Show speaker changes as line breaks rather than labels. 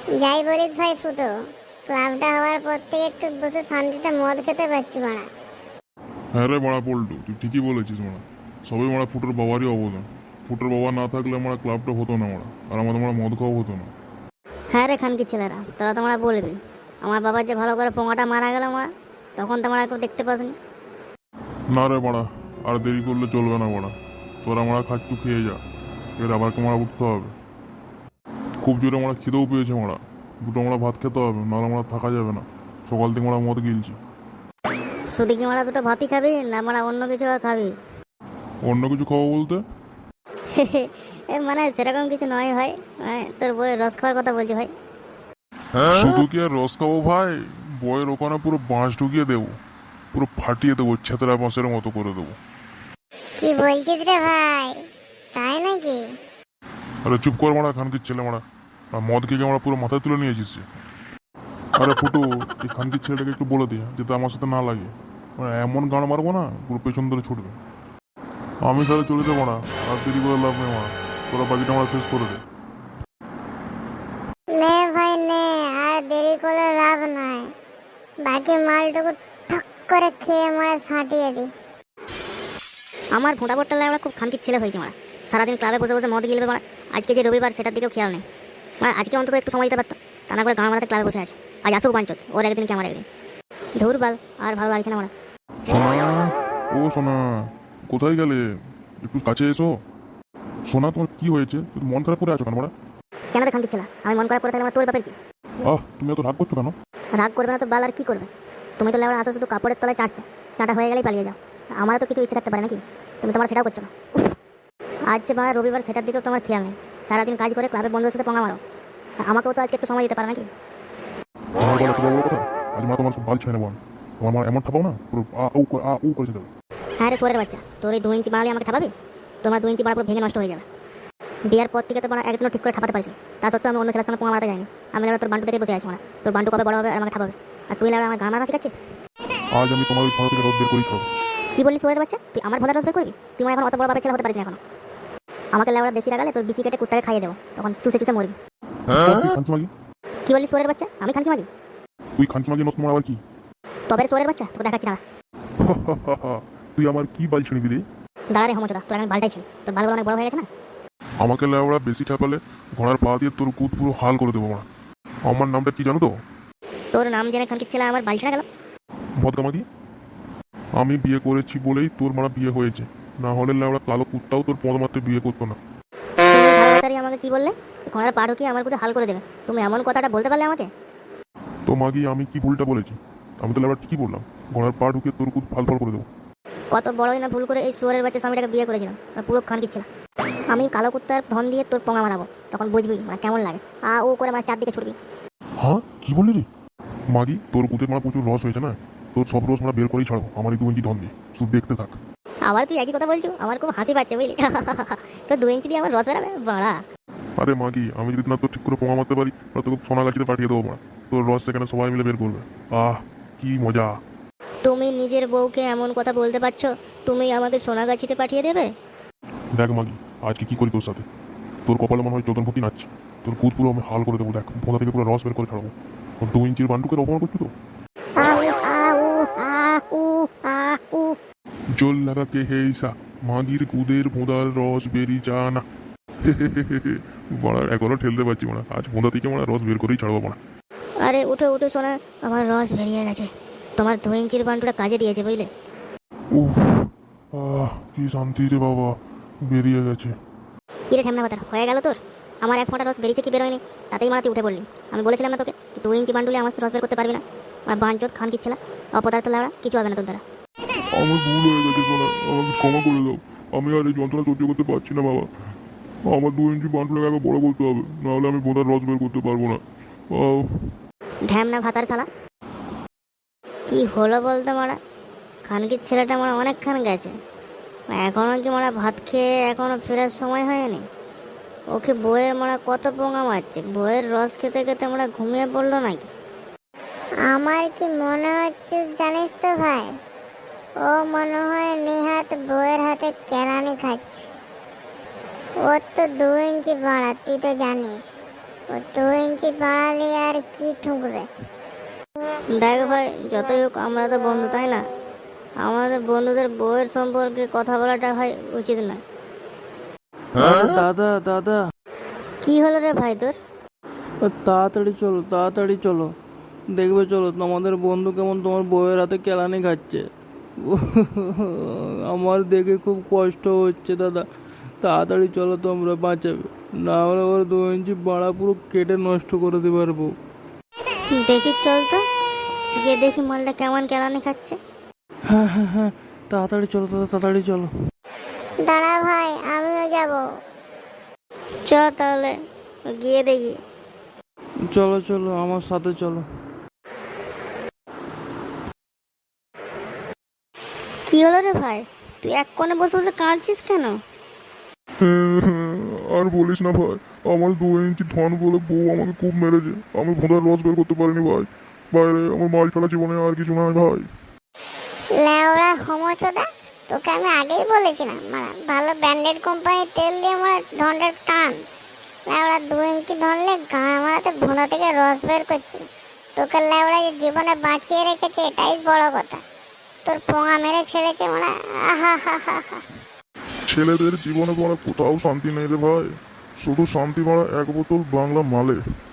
যাই বলিস ভাই ফুটো, ক্লাবটা হওয়ার পর থেকে একটু বসে শান্তিতে মদ খেতে পারছি মারা।
হ্যাঁ রে মারা পল্টু, তুই ঠিকই বলেছিস মারা। সবই মারা ফুটোর বাবারই অবদান। ফুটোর বাবা না থাকলে মারা ক্লাবটা হতো না মারা, আর আমাদের মারা মদ খাওয়া হতো না।
হ্যাঁ রে খানকি ছেলেরা, তোরা তোমরা বলবি আমার বাবার যে ভালো করে পোঙাটা মারা গেল মারা, তখন তোমরা কেউ দেখতে পাসনি।
না রে মারা, আর দেরি করলে চলবে না মারা। তোরা মারা খাচ্ছু খেয়ে যা, এর আবার মারা উঠতে হবে। খুব জোরে মারা খিদেও পেয়েছে মারা, দুটো মারা ভাত খেতে হবে, নাহলে মারা থাকা যাবে না। সকাল থেকে মারা মদ গিলছি।
শুধু কি মারা দুটো ভাতই খাবি না মারা অন্য কিছু আর খাবি?
অন্য কিছু খাবো বলতে?
মানে সেরকম কিছু নয় ভাই, তোর বইয়ের রস খাওয়ার কথা বলছি ভাই।
শুধু কি আর রস খাবো ভাই? বইয়ের ওখানে পুরো বাঁশ ঢুকিয়ে দেবো, পুরো ফাটিয়ে দেবো, ছেতরা বাঁশের মতো করে দেবো।
কি বলছিস রে ভাই, তাই নাকি?
আরে চুপ কর মারা খানকির ছেলে মারা, আর মদ খেয়ে আমরা পুরো মাথায় তুলে নিয়েছিস যে। আরে ফুটু, এই খানকির ছেলেটাকে একটু বলে দিয়ে যাতে আমার সাথে না লাগে। মানে এমন গান মারবো না পুরো পেছন ধরে ছুটবে। আমি তাহলে চলে যাবো না, আর দেরি করে লাভ নেই মারা, তোরা বাকিটা আমরা শেষ করে দে।
নে ভাই নে, আর দেরি করে লাভ নাই। বাকি মালটুকু ঠক করে খেয়ে মারা ছাঁটিয়ে দি।
আমার ভোঁটা বট্টা আমরা খুব খানকির ছেলে হয়েছে মারা, সারাদিন ক্লাবে বসে বসে মদ গিলবে মারা। আজকে যে রবিবার সেটার দিকেও খেয়াল নেই মানে, আজকে অন্তত একটু সময় দিতে পারতো, তা না করে গাঁ মারাতে ক্লাবে বসে আছে। আজ আসুক বাঞ্চত, ওর একদিন কি আমার একদিন। ধুর বাল, আর ভালো লাগছে না মারা।
সোনা, ও সোনা, কোথায় গেলে? একটু কাছে এসো। সোনা, তোমার কি হয়েছে? তুমি মন খারাপ করে আছো কেন মারা?
কেন রে খানকির ছেলে, আমি মন খারাপ করে থাকলে আমার তোর ব্যাপার কি?
তুমি এত রাগ করছো কেন?
রাগ করবে না তো বাল, আর কি করবে? তুমি তো লেবার আসো শুধু কাপড়ের তলায় চাটতে, চাটা হয়ে গেলেই পালিয়ে যাও। আমারও তো কিছু ইচ্ছে থাকতে পারে নাকি? তুমি তোমার সেটাও করছো না। আজ যে বাড়া রবিবার, সেটার দিকেও তোমার খেয়াল নেই। সারাদিন কাজ করে ক্লাবে বন্ধুদের সাথে পঙ্গা মারো, আমাকেও তো আজকে একটু সময় দিতে পারে নাকি?
তোমার বলো তো বড় কথা, আজ মা তোমার সব বাল ছেড়ে নেবো আমি। তোমার মা এমন ঠাপাও না, পুরো আ উ করেছে দেবে।
হ্যাঁ রে সোরের বাচ্চা, তোর এই 2 ইঞ্চি বাড়ালে আমাকে ঠাপাবি? তোমার 2 ইঞ্চি বাড়া পুরো ভেঙে নষ্ট হয়ে যাবে। বিয়ার পর থেকে তো বাড়া একদিনও ঠিক করে ঠাপাতে পারিস না। তা সত্ত্বেও আমি অন্য ছেলের সঙ্গে পোঙা মারতে যাইনি। আমি তোর বান্টু দেখে বসে আছি মানে, তোর বান্টু কবে বড় হবে আর আমাকে ঠাপাবে, আর তুই আমার গান মারা শিখাচ্ছিস?
আজ আমি তোমার ওই ঘর থেকে রোদ বের করেই খাবো।
কি বললি সোরের বাচ্চা, তুই আমার ভোঁদার রস বের করবি? তুই আমার এখন অত বড় বাপের ছেলে হতে পারিস না এখন। আমাকে লেওড়া বেশি লাগালে তোর বিচি কেটে কুত্তাকে খাইয়ে দেবো, তখন চুষে চুষে মরবি।
তুই খানকি মাগি,
কি বললি সোরের বাচ্চা, আমি খানকি মাগি?
তুই খানকি মাগি নষ্ট আবার কি?
তবে সোরের বাচ্চা তোকে দেখাচ্ছি না।
তুই আমার কি বাল ছিঁড়বি রে?
দাঁড়া রে হোমচোদা, তোর আমি বালটাই ছিলি, তোর বালগুলো অনেক বড় হয়ে গেছে না।
আমাকে লেওড়া বেশি ঠাপালে ঘোড়ার পা দিয়ে তোর কুদ পুরো হাল করে দেবো মারা। আমার নামটা কি জানো তো?
তোর নাম জেনে খানকির ছেলে আমার বাল ছিঁড়া গেল।
ভদকামাগি। আমি বিয়ে করেছি বলেই তোর মারা বিয়ে হয়েছে, না হলে লেওড়া কালো কুত্তাও তোর পদ মারতে বিয়ে করতো না।
তুমি ভালোবাসারি আমাকে কি বললে? ঘোড়ার পা ঢুকিয়ে আমার প্রতি হাল করে দেবে, তুমি এমন কথাটা বলতে পারলে আমাকে?
তো মাগি, আমি কি ভুলটা বলেছি? আমি তো লেওড়া ঠিকই বললাম, ঘোড়ার পা ঢুকিয়ে তোর কুদ ফাল ফাল করে দেবো।
কত বড়ই না ভুল করে এই শুয়ারের বাচ্চা স্বামীটাকে বিয়ে করেছিলাম, আর পুরো খানকির ছেলে। আমি কালো কুত্তার ধন দিয়ে তোর পোঙা মারাবো, তখন বুঝবি মানে কেমন লাগে। ও করে আমার চারদিকে ছুটবি।
হ্যাঁ, কি বললি রে? মাগি, তোর কুতের মারা প্রচুর রস হয়েছে না, তোর সব রস মারা বের করেই ছাড়বো আমার এই 2 ইঞ্চি ধন দিয়ে, শুধু দেখতে থাক।
আবার তুই একই কথা বলছো, আমার খুব হাসি পাচ্ছে বুঝলি। তো 2 ইঞ্চি দিয়ে আমার রস বেরাবে বাড়া।
আরে মাগি, আমি যদি না তোর ঠিক করে পোঙা মারতে পারি তাহলে তোকে সোনাগাছিতে পাঠিয়ে দেবো মা, তোর রস সেখানে সবাই মিলে বের করবে। কি মজা!
তুমি নিজের বউকে এমন কথা বলতে পারছো? তুমি আমাকে সোনাগাছিতে পাঠিয়ে দেবে?
দেখ মাগি, আজকে কি করি তোর সাথে। তোর কপালে মনে হয় চোদন ভর্তি নাচছে, তোর কুদ পুরো আমি হাল করে দেবো, দেখ ভোঁদা থেকে পুরো রস বের করে ছাড়বো। তোর 2 ইঞ্চির বান্টুকে অপমান করছি তো।
আউ আউ আউ আউ।
জল লাগা কে হেইসা, মাগির কুদের ভোঁদার রস বেরি যা না। মারা এখনো ঠেলতে পারছি মারা, আজ ভোঁদা থেকে মারা রস বের করেই ছাড়বো মারা।
আরে উঠো উঠো সোনা, আমার রস বেরিয়ে গেছে। তোমার 2 ইঞ্চির বান্টুটা কাজে দিয়েছে বুঝলে।
উফ, কি শান্তি রে বাবা, বেরিয়ে গেছে।
কি রে ঠেমনা কথা হয়ে গেল তোর? আমার 1 ফোঁটা রস বেরিয়েছে কি বেরোয়নি, তাতেই মারাতে উঠে পড়লি। আমি বলেছিলাম না তোকে 2 ইঞ্চি বান্ডুলে আমার রস বের করতে পারবি না? আমার বাঞ্চত খান কিচ্ছে না, অপদার্থ লাগা কিছু হবে না তোর দ্বারা।
আমার ভুল হয়ে গেছে সোনা, আমাকে ক্ষমা করে দাও। আমি আর এই যন্ত্রণা সহ্য করতে পারছি না বাবা। আমার 2 ইঞ্চি বান্টুটাকে আগে বড় করতে হবে, নাহলে আমি ভোঁদার রস বের করতে পারবো না।
ঢ্যামনা ভাতার শালা, কি হলো বলতো মারা? খানকির ছেলেটা মারা অনেকক্ষণ গেছে, এখনো কি মারা ভাত খেয়ে এখনো ফেরার সময় হয়নি? ওকে বইয়ের মারা কত পোঙা মারছে, বইয়ের রস খেতে খেতে মারা ঘুমিয়ে পড়লো নাকি?
আমার কি মনে হচ্ছে জানিস তো ভাই, ও মনে হয় নেহাত বউয়ের হাতে কেরানি খাচ্ছে। ওর তো 2 ইঞ্চি বাড়া, তুই তো জানিস। ও 2 ইঞ্চি বাড়ালে আর কি ঠুকবে?
দেখ ভাই, যতই হোক আমরা তো বন্ধু, তাই না? আমাদের বন্ধুদের বউয়ের সম্পর্কে কথা বলাটা ভাই উচিত নয়।
দাদা দাদা,
কি হলো রে ভাই তোর?
তাড়াতাড়ি চলো, দেখবে চলো তোমাদের বন্ধু কেমন তোমার বউয়ের হাতে কেলানি খাচ্ছে। আমার দেখে খুব কষ্ট হচ্ছে দাদা, তাড়াতাড়ি চলো, তোমরা বাঁচাবে, না হলে ওর 2 ইঞ্চি বাড়া পুরো কেটে নষ্ট করে দিতে পারবো।
দেখি চল তো, গিয়ে দেখি মালটা কেমন কেলানি খাচ্ছে।
হ্যাঁ, তাড়াতাড়ি চলো দাদা, তাড়াতাড়ি চলো।
দাঁড়া ভাই, আমিও যাব।
চ তাহলে গিয়ে দেখি।
চলো আমার সাথে চলো।
কি হলো রে ভাই, তুই এক কোণে বসে বসে কাঁদছিস কেন?
আর বলিস না ভাই, আমার 2 ইঞ্চি ধন বলে বউ আমাকে খুব মেরেছে। আমি ভোঁদার রস বের করতে পারিনি ভাই। বাইরে আমার মাল ফেলা জীবনে আর কিছু নয় ভাই।
লেওড়া হোমচোদা, তোকে আমি আগেই বলেছিলাম মানে ভালো ব্র্যান্ডেড কোম্পানির তেল দিয়ে আমার ধনটার টান। লেওড়া 2 ইঞ্চি ধরলে গাঁ মারাতে ভোঁদা থেকে রস বের করছি। তোকে লেওড়া যে জীবনে বাঁচিয়ে রেখেছে এটাই বড় কথা। তোর পোঙা মেরে ছেড়েছে মানে আহা হা হা হা।
ছেলেদের জীবনে পড়া কোথাও শান্তি নেই রে ভাই, শুধু শান্তি মারা 1 বোতল বাংলা মালে।